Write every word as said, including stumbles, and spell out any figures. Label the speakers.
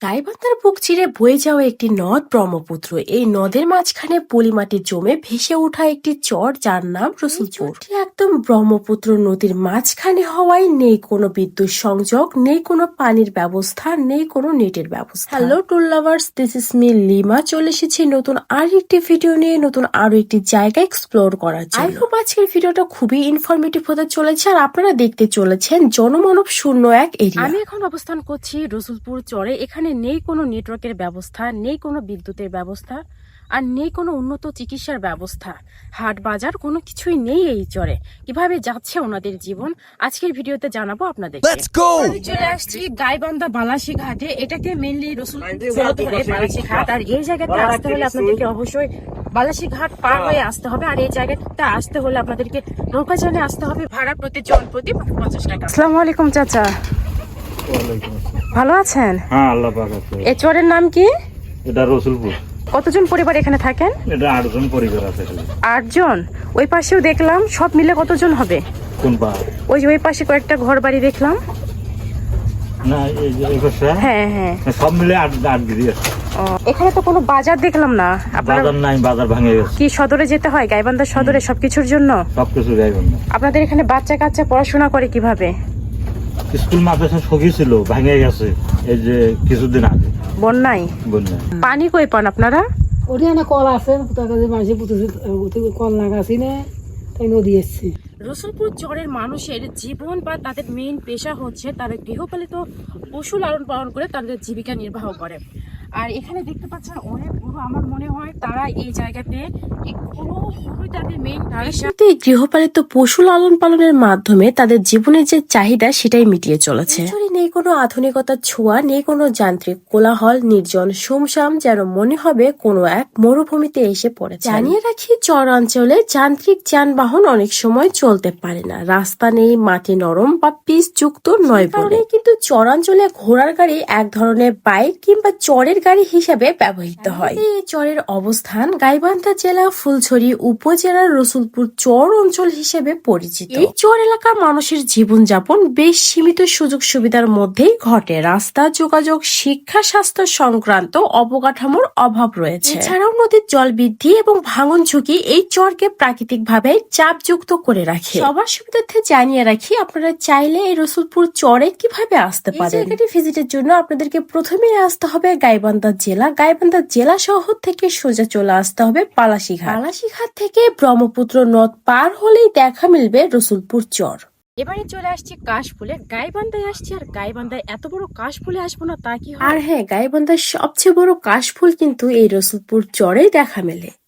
Speaker 1: গাইবান্ধার বুক চিরে বয়ে যাওয়া একটি নদ ব্রহ্মপুত্র। এই নদের মাঝখানে পলিমাটি জমে ভেসে ওঠা একটি চর, যার নাম রসুলপুর। এটি একদম ব্রহ্মপুত্র নদীর মাঝখানে হওয়ায় নেই কোনো বিদ্যুৎ সংযোগ, নেই কোনো পানির ব্যবস্থা, নেই কোনো নেটের ব্যবস্থা। Hello tour lovers, this is me Lima. চলে এসেছি নতুন আর একটি ভিডিও নিয়ে, নতুন আরো একটি জায়গা এক্সপ্লোর করার জন্য। আই হোপ আজকের ভিডিওটা খুবই ইনফরমেটিভ হতে চলেছে আর আপনারা দেখতে চলেছেন জনমানব শূন্য এক এরিয়া। আমি এখন অবস্থান করছি রসুলপুর চরে। এখানে নেই কোনো নেটওয়ার্কের ব্যবস্থা, নেই কোনো বিদ্যুতের ব্যবস্থা, আর নেই কোনো উন্নত চিকিৎসার ব্যবস্থা। হাট বাজার কোনো কিছুই নেই এই চরে। কিভাবে যাচ্ছে ওনাদের জীবন আজকের ভিডিওতে জানাবো আপনাদের। চলে আসছি গাইবান্ধা বালাসী ঘাটে। এটাকে মেনলি রসুলপুর বালাসী ঘাট, আর এই জায়গাতে আসতে হলে আপনাদেরকে অবশ্যই বালাসী ঘাট পার হয়ে আসতে হবে। আর এই জায়গাতে আসতে হলে আপনাদেরকে নৌকা চালে আসতে হবে। ভাড়া প্রতি জন প্রতি পঞ্চাশ টাকা। আসসালামু আলাইকুম চাচা, ভালো আছেন?
Speaker 2: হ্যাঁ, আল্লাহ পাক আছে।
Speaker 1: এই চরের নাম কি?
Speaker 2: এটা রসুলপুর।
Speaker 1: কতজন পরিবার এখানে থাকেন?
Speaker 2: এটা আটজন পরিবার আছে।
Speaker 1: আটজন? ওই পাশেও দেখলাম, সব মিলে কতজন হবে?
Speaker 2: কোন পাহাড়?
Speaker 1: ওই যে ওই পাশে কয়েকটা ঘর বাড়ি দেখলাম।
Speaker 2: না, এই যে এই পাশে।
Speaker 1: হ্যাঁ হ্যাঁ,
Speaker 2: সব মিলে আট আট দিদি আছে।
Speaker 1: ও, এখানে তো কোনো বাজার দেখলাম না। আপনারা
Speaker 2: বাজার নাই, বাজার ভাঙে গেছে।
Speaker 1: কি সদরে যেতে হয়? গাইবান্ধা সদরে সবকিছুর জন্য
Speaker 2: সবকিছু গাইবান্ধা।
Speaker 1: আপনাদের এখানে বাচ্চা কাচ্চা পড়াশোনা করে কিভাবে?
Speaker 2: স্কুল মাদ্রাসা সবই ছিল, ভাঙে গেছে এই যে কিছুদিন আগে
Speaker 1: বন্যায়।
Speaker 2: বন্যা।
Speaker 1: পানি কই পান আপনারা?
Speaker 3: ওটি না কল আছে, মানুষের পুতুল কল লাগাছি না, তাই নদী এসছে।
Speaker 1: রসুলপুর চরের মানুষের জীবন বা তাদের মেইন পেশা হচ্ছে তারা গৃহপালিত পশু লালন পালন করে তাদের জীবিকা নির্বাহ করে। আর এখানে দেখতে পাচ্ছেন অনেক গরু। আমার মনে হয় তারা এই জায়গাতে তাদের মেইন গৃহপালিত পশু লালন পালনের মাধ্যমে তাদের জীবনের যে চাহিদা সেটাই মিটিয়ে চলেছে। নেই কোনো আধুনিকতার ছোঁয়া, নেই কোনো যান্ত্রিক কোলাহল, নির্জন সুমসাম, যেন মনে হবে কোনো এক মরুভূমিতে এসে পড়েছে। জানিয়ে রাখি, চর অঞ্চলে যান্ত্রিক যানবাহন অনেক সময় চলতে পারে না। রাস্তা নেই, মাটি নরম বা পিচ যুক্ত নয় বলে কিন্তু চরাঞ্চলে ঘোড়ার গাড়ি এক ধরনের বাইক কিংবা চরের গাড়ি হিসাবে ব্যবহৃত হয়। এই চরের অবস্থান গাইবান্ধা জেলা ফুলছড়ি উপজেলার রসুলপুর চর অঞ্চল হিসেবে পরিচিত। এই চর এলাকার মানুষের জীবনযাপন বেশ সীমিত সুযোগ সুবিধার মধ্যেই ঘটে। রাস্তা, যোগাযোগ, শিক্ষা, স্বাস্থ্য সংক্রান্ত অবকাঠামোর অভাব রয়েছে। এছাড়াও নদীর জল বৃদ্ধি এবং ভাঙন ঝুঁকি এই চরকে প্রাকৃতিক ভাবে চাপযুক্ত করে রাখে। সবার সুবিধার্থে জানিয়ে রাখি, আপনারা চাইলে এই রসুলপুর চরে কিভাবে আসতে পারেন। জায়গাটি ভিজিটের জন্য আপনাদেরকে প্রথমে আসতে হবে গাইবান্ধা জেলা। গাইবান্ধা জেলা শহর থেকে সোজা চলে আসতে হবে বালাসীঘাট। বালাসীঘাট থেকে ব্রহ্মপুত্র নদ পার হলেই দেখা মিলবে রসুলপুর চর। এবারে চলে আসছি কাশফুলে। গাইবান্ধায় আসছি, আর গাইবান্ধায় এত বড় কাশফুলে আসবো না তা কি? আর হ্যাঁ, গাইবান্ধার সবচেয়ে বড় কাশফুল কিন্তু এই রসুলপুর চরেই দেখা মেলে।